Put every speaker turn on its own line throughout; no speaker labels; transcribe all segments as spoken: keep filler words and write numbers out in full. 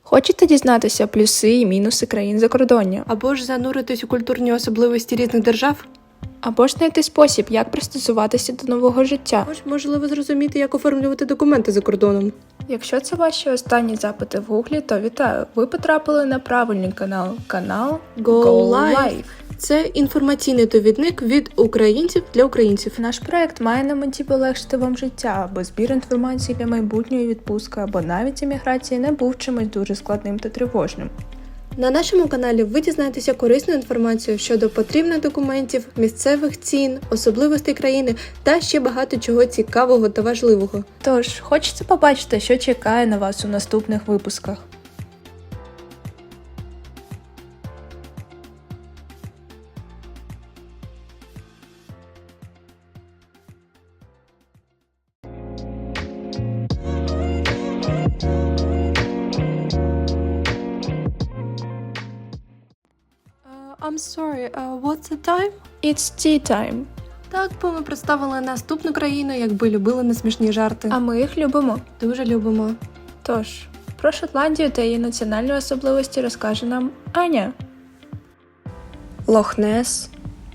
Хочете дізнатися плюси і мінуси країн закордоння?
Або ж зануритись у культурні особливості різних держав?
Або ж знайти спосіб, як пристосуватися до нового життя?
Або ж, можливо, зрозуміти, як оформлювати документи за кордоном?
Якщо це ваші останні запити в гуглі, то вітаю! Ви потрапили на правильний канал. Канал
Go
Go
Live.
Live.
Це інформаційний довідник від українців для українців.
Наш проект має на меті полегшити вам життя, аби збір інформації для майбутньої відпустки або навіть еміграції не був чимось дуже складним та тривожним.
На нашому каналі ви дізнаєтеся корисну інформацію щодо потрібних документів, місцевих цін, особливостей країни та ще багато чого цікавого та важливого.
Тож, хочеться побачити, що чекає на вас у наступних випусках.
I'm sorry, uh, what's the time?
It's tea time.
Так, бо ми представили наступну країну, якби любили несмішні жарти.
А ми їх любимо.
Дуже любимо.
Тож, про Шотландію та її національні особливості розкаже нам Аня.
Лох-Нес,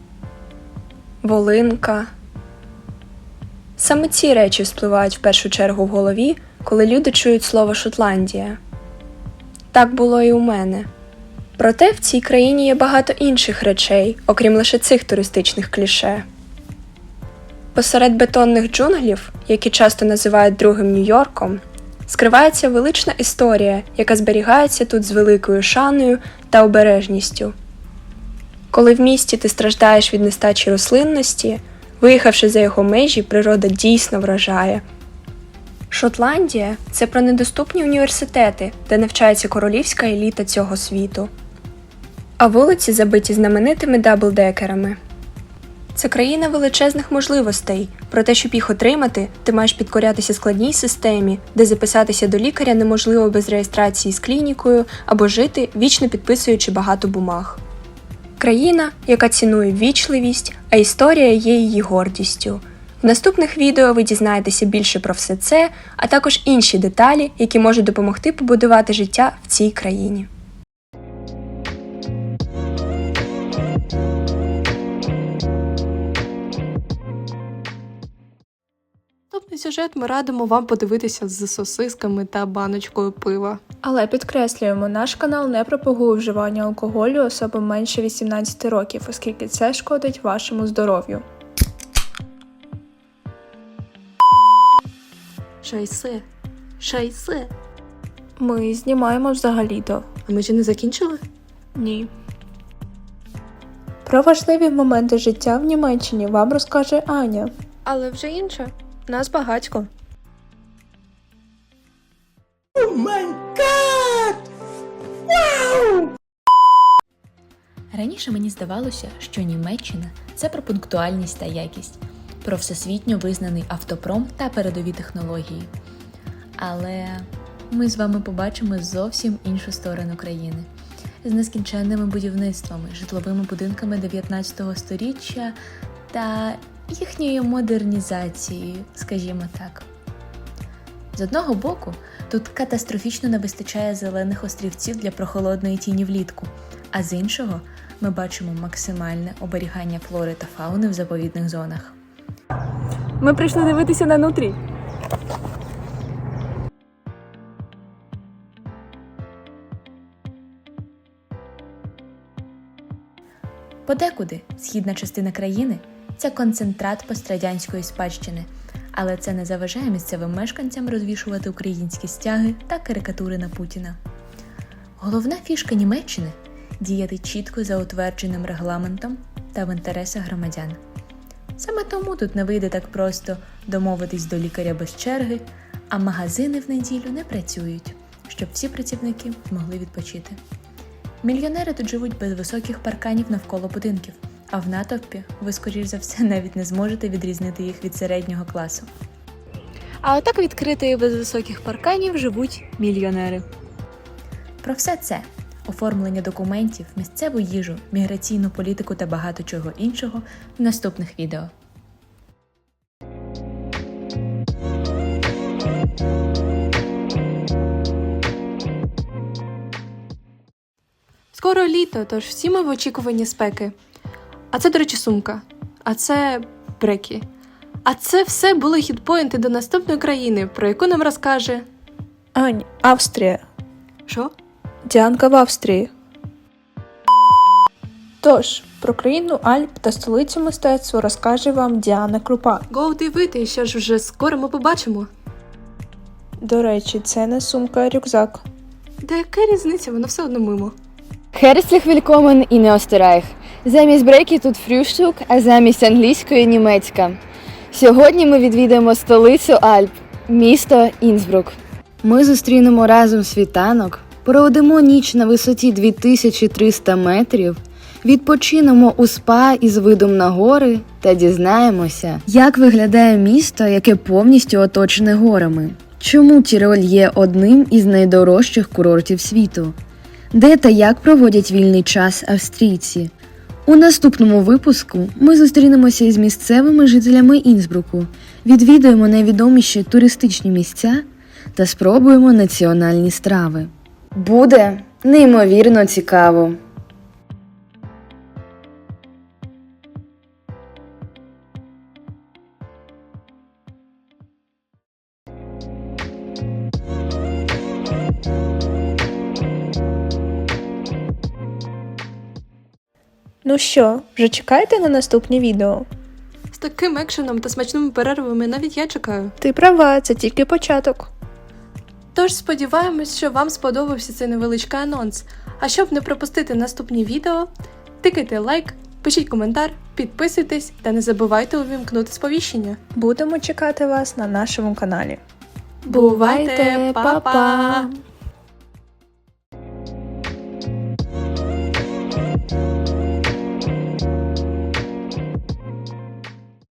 Волинка. Саме ці речі спливають в першу чергу в голові, коли люди чують слово «Шотландія». Так було і у мене. Проте в цій країні є багато інших речей, окрім лише цих туристичних кліше. Посеред бетонних джунглів, які часто називають другим Нью-Йорком, скривається велична історія, яка зберігається тут з великою шаною та обережністю. Коли в місті ти страждаєш від нестачі рослинності, виїхавши за його межі, природа дійсно вражає. Шотландія – це про недоступні університети, де навчається королівська еліта цього світу. А вулиці забиті знаменитими даблдекерами. Це країна величезних можливостей, проте, щоб їх отримати, ти маєш підкорятися складній системі, де записатися до лікаря неможливо без реєстрації з клінікою або жити, вічно підписуючи багато бумаг. Країна, яка цінує ввічливість, а історія є її гордістю. В наступних відео ви дізнаєтеся більше про все це, а також інші деталі, які можуть допомогти побудувати життя в цій країні.
Наступний сюжет ми радимо вам подивитися з сосисками та баночкою пива.
Але підкреслюємо, наш канал не пропагує вживання алкоголю особам менше вісімнадцяти років, оскільки це шкодить вашому здоров'ю.
Шайсе. Шайсе.
Ми знімаємо взагалі-то.
А ми ще не закінчили?
Ні. Про важливі моменти життя в Німеччині вам розкаже Аня.
Але вже інше. Нас багатько.
Раніше мені здавалося, що Німеччина – це про пунктуальність та якість, про всесвітньо визнаний автопром та передові технології. Але ми з вами побачимо зовсім іншу сторону країни. З нескінченними будівництвами, житловими будинками дев'ятнадцятого сторіччя та їхньою модернізацією, скажімо так. З одного боку, тут катастрофічно не вистачає зелених острівців для прохолодної тіні влітку, а з іншого ми бачимо максимальне оберігання флори та фауни в заповідних зонах.
Ми прийшли дивитися на нутрій.
Подекуди східна частина країни – це концентрат пострадянської спадщини, але це не заважає місцевим мешканцям розвішувати українські стяги та карикатури на Путіна. Головна фішка Німеччини – діяти чітко за утвердженим регламентом та в інтересах громадян. Саме тому тут не вийде так просто домовитись до лікаря без черги, а магазини в неділю не працюють, щоб всі працівники змогли відпочити. Мільйонери тут живуть без високих парканів навколо будинків, а в натовпі ви, скоріш за все, навіть не зможете відрізнити їх від середнього класу.
А отак відкрито і без високих парканів живуть мільйонери.
Про все це – оформлення документів, місцеву їжу, міграційну політику та багато чого іншого – в наступних відео.
Скоро літо, тож всі ми в очікуванні спеки. А це, до речі, сумка. А це бреки. А це все були хітпоінти до наступної країни, про яку нам розкаже...
Ань, Австрія.
Що?
Діанка в Австрії. Тож, про країну Альп та столицю мистецтва розкаже вам Діана Крупа.
Гоу дивити, що ж вже скоро ми побачимо.
До речі, це не сумка, а рюкзак.
Та яка різниця, воно все одно мимо.
Herzlich willkommen in Österreich. Замість брейки тут фрюштук, а замість англійської – німецька. Сьогодні ми відвідаємо столицю Альп – місто Інсбрук. Ми зустрінемо разом світанок, проведемо ніч на висоті дві тисячі триста метрів, відпочинемо у спа із видом на гори та дізнаємося, як виглядає місто, яке повністю оточене горами. Чому Тіроль є одним із найдорожчих курортів світу? Де та як проводять вільний час австрійці? У наступному випуску ми зустрінемося із місцевими жителями Інсбруку, відвідаємо найвідоміші туристичні місця та спробуємо національні страви. Буде неймовірно цікаво!
Ну що, вже чекаєте на наступні відео?
З таким екшеном та смачними перервами навіть я чекаю.
Ти права, це тільки початок.
Тож сподіваємось, що вам сподобався цей невеличкий анонс. А щоб не пропустити наступні відео, тикайте лайк, пишіть коментар, підписуйтесь та не забувайте увімкнути сповіщення.
Будемо чекати вас на нашому каналі.
Бувайте, па-па!